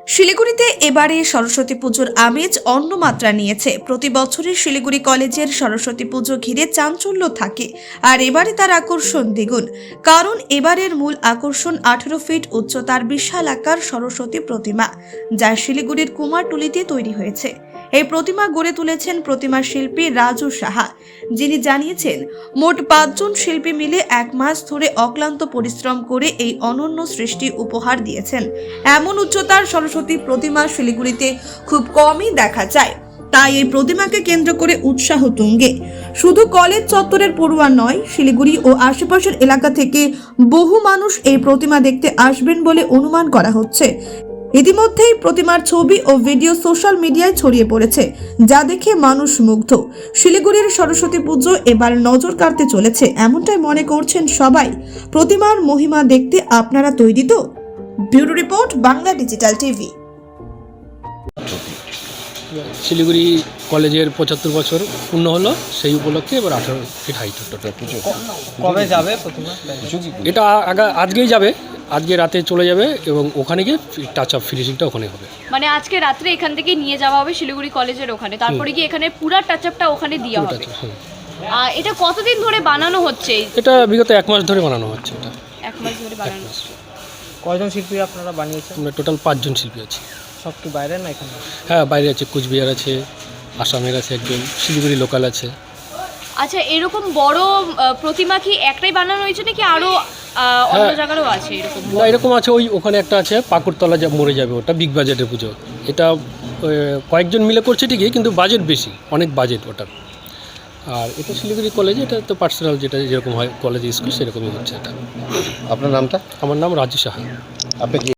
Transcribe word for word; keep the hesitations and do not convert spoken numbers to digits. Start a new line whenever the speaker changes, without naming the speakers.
শিলিগুড়িতে এবারে সরস্বতী পুজোর আমেজ অন্য মাত্রা নিয়েছে। প্রতি বছরই শিলিগুড়ি কলেজের সরস্বতী পুজো ঘিরে চাঞ্চল্য থাকে, আর এবারে তার আকর্ষণ দ্বিগুণ। কারণ এবারের মূল আকর্ষণ আঠারো ফিট উচ্চতার বিশাল আকার সরস্বতী প্রতিমা, যা শিলিগুড়ির কুমারটুলিতে তৈরি হয়েছে। এই প্রতিমা গড়ে তুলেছেন প্রতিমা শিল্পী রাজু সাহা, যিনি জানিয়েছেন মোট পাঁচজন শিল্পী মিলে এক মাস ধরে অক্লান্ত পরিশ্রম করে এই অনন্য সৃষ্টি উপহার দিয়েছেন। এমন উচ্চতার সরস্বতী প্রতিমা শিলিগুড়িতে খুব কমই দেখা যায়, তাই এই প্রতিমাকে কেন্দ্র করে উৎসাহ তুঙ্গে। শুধু কলেজ চত্বরের পড়ুয়া নয়, শিলিগুড়ি ও আশেপাশের এলাকা থেকে বহু মানুষ এই প্রতিমা দেখতে আসবেন বলে অনুমান করা হচ্ছে। ইতিমধ্যেই প্রতিমার ছবি ও ভিডিও সোশ্যাল মিডিয়ায় ছড়িয়ে পড়েছে, যা দেখে মানুষ মুগ্ধ। শিলিগুড়ির সরস্বতী পুজো এবার নজর কাড়তে চলেছে, এমনটাই মনে করছেন সবাই। প্রতিমার মহিমা দেখতে আপনারা তৈরি তো? Bureau report, Bangla digital TV.
Siliguri কলেজের পঁচাত্তর বছর পূর্ণ হলো, সেই উপলক্ষে এবার আঠারো ফিট হাইট টোটাল পুজো।
কবে যাবে প্রতিমা?
এটা আগা আজকেই যাবে, আজকে রাতে চলে যাবে এবং ওখানে গিয়ে টাচ আপ ফিনিশিংটা ওখানে হবে।
মানে আজকে রাত্রে এখান থেকে নিয়ে যাওয়া হবে শিলিগুড়ি কলেজের ওখানে, তারপরে গিয়ে এখানে পুরো টাচ আপটা ওখানে দেওয়া হবে। আর এটা কতদিন ধরে বানানো হচ্ছে?
এটা বিগত এক মাস ধরে বানানো হচ্ছে। এটা
এক মাস ধরে বানানো হচ্ছে।
কয়জন শিল্পী আপনারা বানিয়েছেন?
আমরা টোটাল পাঁচজন শিল্পী আছি।
সব কি বাইরে না এখানে?
হ্যাঁ, বাইরে আছে, কুচবিহার আছে, আসামের আছে একজন, শিলিগুড়ি লোকাল আছে।
আচ্ছা, এরকম বড় আহ, প্রতিমা কি একটাই বানানো হয়েছে নাকি আরো আহ, অন্য জায়গারও আছে এরকম?
না, এরকম আছে, ওই ওখানে একটা আছে পাকুড়তলা, যা মরে যাবে, ওটা বিগ বাজেটের পুজো। এটা কয়েকজন মিলে করছে ঠিকই, কিন্তু বাজেট বেশি, অনেক বাজেট ওটা। আর এটা শিলিগুড়ি কলেজে, এটা তো পার্সোনাল, যেটা যেরকম হয় কলেজ স্কুল সেরকমই হচ্ছে এটা।
আপনার নামটা?
আমার নাম রাজু সাহা।
আপনি কি